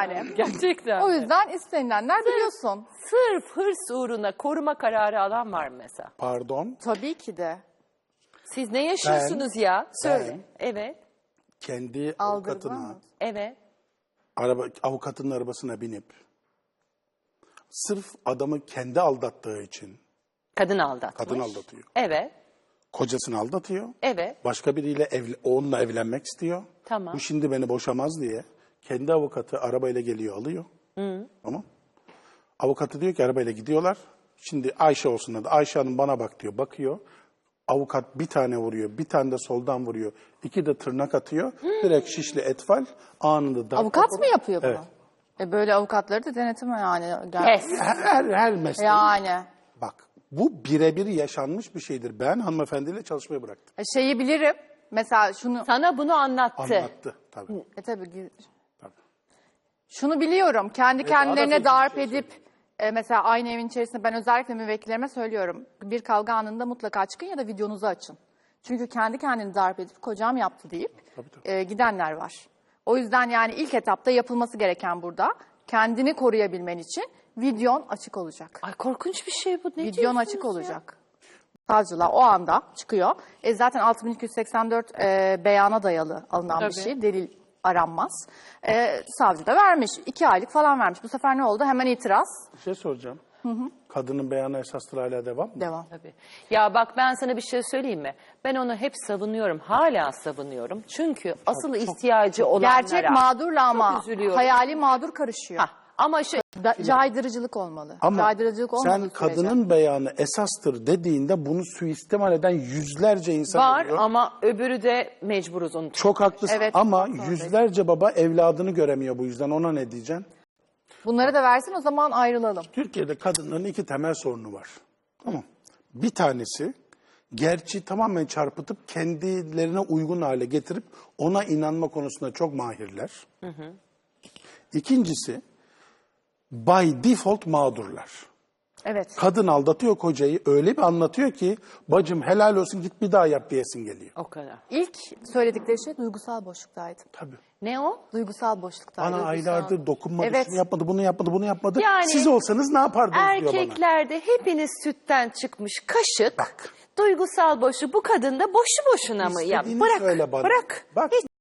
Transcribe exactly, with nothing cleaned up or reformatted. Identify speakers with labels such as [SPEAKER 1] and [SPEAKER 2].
[SPEAKER 1] yani.
[SPEAKER 2] Gerçekten.
[SPEAKER 1] O yüzden istenilenler biliyorsun.
[SPEAKER 2] Sırf hırs uğruna koruma kararı alan var mı mesela?
[SPEAKER 3] Pardon,
[SPEAKER 1] Tabii ki de.
[SPEAKER 2] Siz ne yaşıyorsunuz ya? Söyle.
[SPEAKER 3] ben-
[SPEAKER 2] Evet.
[SPEAKER 3] kendi
[SPEAKER 1] Aldırma
[SPEAKER 3] avukatına,
[SPEAKER 1] mı?
[SPEAKER 2] Evet.
[SPEAKER 3] araba, avukatın arabasına binip sırf adamı kendi aldattığı için
[SPEAKER 2] Kadın aldatmış.
[SPEAKER 3] kadın aldatıyor.
[SPEAKER 2] Evet.
[SPEAKER 3] Kocasını aldatıyor.
[SPEAKER 2] Evet.
[SPEAKER 3] Başka biriyle evli, onunla evlenmek istiyor.
[SPEAKER 2] Tamam.
[SPEAKER 3] Bu şimdi beni boşamaz diye kendi avukatı arabayla geliyor alıyor. Hı. Tamam. Avukatı diyor ki arabayla gidiyorlar. Şimdi Ayşe olsun adı. Ayşe Hanım bana bak diyor. Bakıyor. Avukat bir tane vuruyor. Bir tane de soldan vuruyor. İki de tırnak atıyor. Direkt şişli etfal anında darp
[SPEAKER 1] Avukat
[SPEAKER 3] raporu-
[SPEAKER 1] mı yapıyor bunu?
[SPEAKER 3] Evet.
[SPEAKER 1] E böyle avukatları da denetime yani. Gel-
[SPEAKER 2] Kes.
[SPEAKER 3] Her, her, her mesleğin.
[SPEAKER 1] Yani.
[SPEAKER 3] Bak bu birebir yaşanmış bir şeydir. Ben hanımefendiyle çalışmayı bıraktım.
[SPEAKER 1] E şeyi bilirim. Mesela şunu...
[SPEAKER 2] Sana bunu anlattı.
[SPEAKER 3] Anlattı tabii.
[SPEAKER 1] E tabii. gi-
[SPEAKER 3] tabii.
[SPEAKER 1] Şunu biliyorum. Kendi
[SPEAKER 3] daha da
[SPEAKER 1] kendilerine
[SPEAKER 3] feci bir
[SPEAKER 1] darp
[SPEAKER 3] şey
[SPEAKER 1] edip e, mesela aynı evin içerisinde ben özellikle müvekkillerime söylüyorum. Bir kavga anında mutlaka çıkın ya da videonuzu açın. Çünkü kendi kendini darp edip kocam yaptı deyip
[SPEAKER 3] Tabii, tabii.
[SPEAKER 1] e, gidenler var. O yüzden yani ilk etapta yapılması gereken burada kendini koruyabilmen için videon açık olacak.
[SPEAKER 2] Ay korkunç bir şey bu. Ne
[SPEAKER 1] Videon
[SPEAKER 2] diyorsunuz
[SPEAKER 1] açık
[SPEAKER 2] ya?
[SPEAKER 1] olacak. Savcılar o anda çıkıyor. E zaten altı bin iki yüz seksen dört e, beyana dayalı alınan bir
[SPEAKER 2] Tabii.
[SPEAKER 1] şey. Delil aranmaz. E, savcı da vermiş. iki aylık falan vermiş. Bu sefer ne oldu? Hemen itiraz.
[SPEAKER 3] Bir şey soracağım. Kadının beyanı esastır hala devam mı?
[SPEAKER 1] Devam.
[SPEAKER 2] Tabii. Ya bak ben sana bir şey söyleyeyim mi? Ben onu hep savunuyorum. Hala savunuyorum. Çünkü asıl ihtiyacı olanlara.
[SPEAKER 1] Gerçek mağdurla ama
[SPEAKER 2] üzülüyorum.
[SPEAKER 1] hayali mağdur karışıyor.
[SPEAKER 2] Hah, ama şey
[SPEAKER 1] Da- caydırıcılık olmalı.
[SPEAKER 3] Ama
[SPEAKER 1] caydırıcılık
[SPEAKER 3] sen
[SPEAKER 1] olmadığı sürece.
[SPEAKER 3] kadının beyanı esastır dediğinde bunu suistimal eden yüzlerce insan
[SPEAKER 2] var
[SPEAKER 3] oluyor.
[SPEAKER 2] ama öbürü de mecburuz onu.
[SPEAKER 3] Çok haklısın
[SPEAKER 1] Evet,
[SPEAKER 3] ama
[SPEAKER 1] çok doğru.
[SPEAKER 3] yüzlerce baba evladını göremiyor bu yüzden. Ona ne diyeceksin?
[SPEAKER 1] Bunları da versin o zaman ayrılalım.
[SPEAKER 3] Türkiye'de kadınların iki temel sorunu var. Tamam. Bir tanesi gerçi tamamen çarpıtıp kendilerine uygun hale getirip ona inanma konusunda çok mahirler. Hı hı. İkincisi by default mağdurlar.
[SPEAKER 1] Evet.
[SPEAKER 3] Kadın aldatıyor kocayı öyle bir anlatıyor ki bacım helal olsun git bir daha yap diyesin geliyor.
[SPEAKER 2] O kadar.
[SPEAKER 1] İlk söyledikleri şey duygusal boşluktaydı.
[SPEAKER 3] Tabii.
[SPEAKER 2] Ne o?
[SPEAKER 1] Duygusal boşluktaydı.
[SPEAKER 3] Bana aylardır dokunmadı,
[SPEAKER 1] Evet.
[SPEAKER 3] şunu yapmadı, bunu yapmadı, bunu yapmadı.
[SPEAKER 2] Yani
[SPEAKER 3] Siz olsanız ne yapardınız diyor bana.
[SPEAKER 2] Erkeklerde hepiniz sütten çıkmış kaşık.
[SPEAKER 3] Bak.
[SPEAKER 2] Duygusal boşu bu kadında boşu boşuna mı? Ya
[SPEAKER 3] İstediğini
[SPEAKER 2] bırak.
[SPEAKER 3] söyle bana.
[SPEAKER 2] Bırak.
[SPEAKER 3] Bak.
[SPEAKER 2] Hiç